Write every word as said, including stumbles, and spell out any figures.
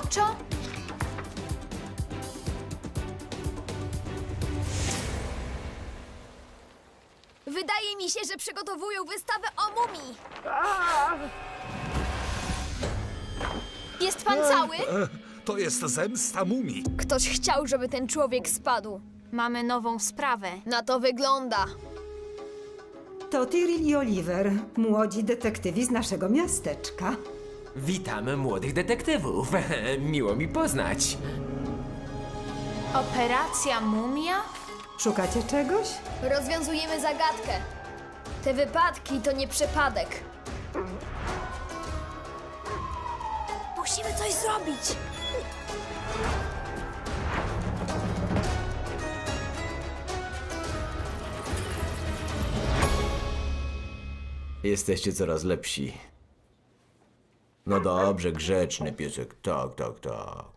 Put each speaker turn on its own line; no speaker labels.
Roboczo?
Wydaje mi się, że przygotowują wystawę o mumii. Jest pan cały?
To jest zemsta mumii.
Ktoś chciał, żeby ten człowiek spadł.
Mamy nową sprawę.
Na to wygląda.
To Tyrell i Oliver, młodzi detektywi z naszego miasteczka.
Witam młodych detektywów. Miło mi poznać.
Operacja Mumia?
Szukacie czegoś?
Rozwiązujemy zagadkę. Te wypadki to nie przypadek. Musimy coś zrobić.
Jesteście coraz lepsi. No dobrze, grzeczny piesek. Tak, tak, tak.